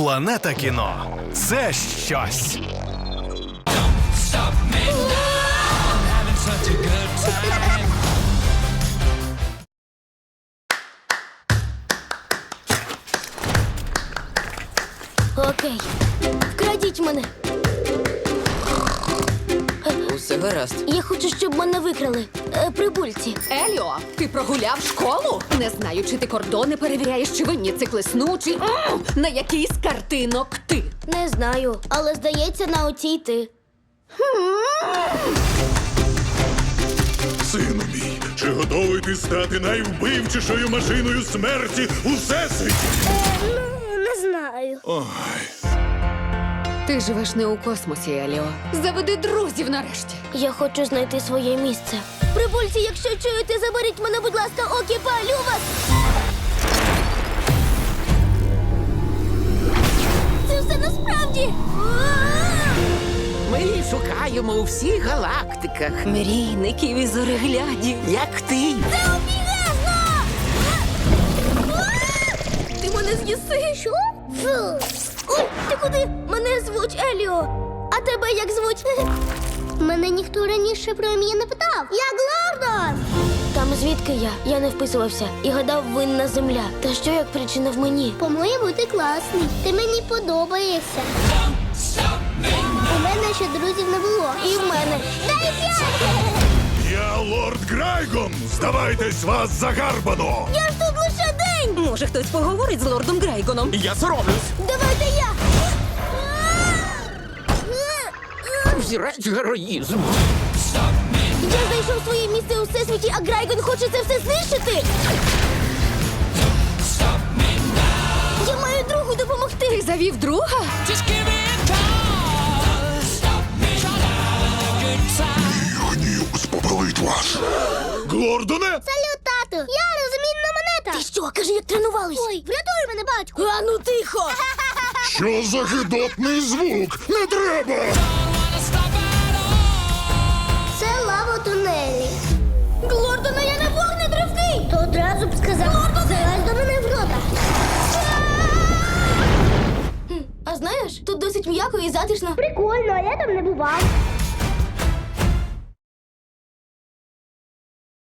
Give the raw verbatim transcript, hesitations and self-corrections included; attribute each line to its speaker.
Speaker 1: Планета кіно – це щось.
Speaker 2: Окей. Вкрадіть мене.
Speaker 3: Усе гаразд.
Speaker 2: Я хочу, щоб мене викрали. Е, прибульці.
Speaker 4: Еліо, ти прогуляв школу? Не знаю, чи ти кордони перевіряєш, чи винні циклесну, чи М! на який з картинок ти.
Speaker 2: Не знаю, але здається, на оцій ти.
Speaker 5: Сину мій, чи готовий ти стати найвбивчішою машиною смерті у всесвіті?
Speaker 2: Ну, не знаю.
Speaker 5: Ой,
Speaker 4: Ти живеш не у космосі, Еліо. Заведи друзів нарешті.
Speaker 2: Я хочу знайти своє місце. Прибульці, якщо чуєте, заберіть мене, будь ласка, окі, палю вас! Це все насправді!
Speaker 3: Ми її шукаємо у всіх галактиках.
Speaker 4: Мрійників і зореглядів.
Speaker 3: Як ти?
Speaker 2: Це обігезно! Ти мене з'їси? Що? Фу. Ой, ти куди? Мене звуть Еліо. А тебе як звуть? Мене ніхто раніше про ім'я не питав. Я Глордон! Там звідки я? Я не вписувався і гадав, винна земля. Та що як причина в мені?
Speaker 6: По-моєму, ти класний. Ти мені подобаєшся. У мене ще друзів не було.
Speaker 2: І в мене.
Speaker 6: Дай п'ять!
Speaker 5: я лорд Грайгон! Здавайтесь, вас загарбано!
Speaker 2: Я ж тут лише день!
Speaker 4: Може, хтось поговорить з лордом Грейгоном?
Speaker 1: Я соромлюсь.
Speaker 2: Давайте я!
Speaker 3: Взірець героїзму.
Speaker 2: Я знайшов своє місце у всесвіті, а Грайгон хоче це все знищити! Я маю другу допомогти!
Speaker 4: Ти завів друга?
Speaker 5: Гнів спопелить вас! Глордоне!
Speaker 6: Салют, тату! Я розмінна монета!
Speaker 2: Ти що, кажи, як тренувались?
Speaker 6: Ой, врятуй мене, батьку!
Speaker 2: А ну тихо!
Speaker 5: Що за гидотний звук? Не треба!
Speaker 6: Це лава тунелі.
Speaker 2: Глордона, я не вогнетривкий!
Speaker 6: То одразу б сказав, залазь до мене в рота.
Speaker 2: А знаєш, тут досить м'яко і затишно.
Speaker 6: Прикольно, а я там не бував.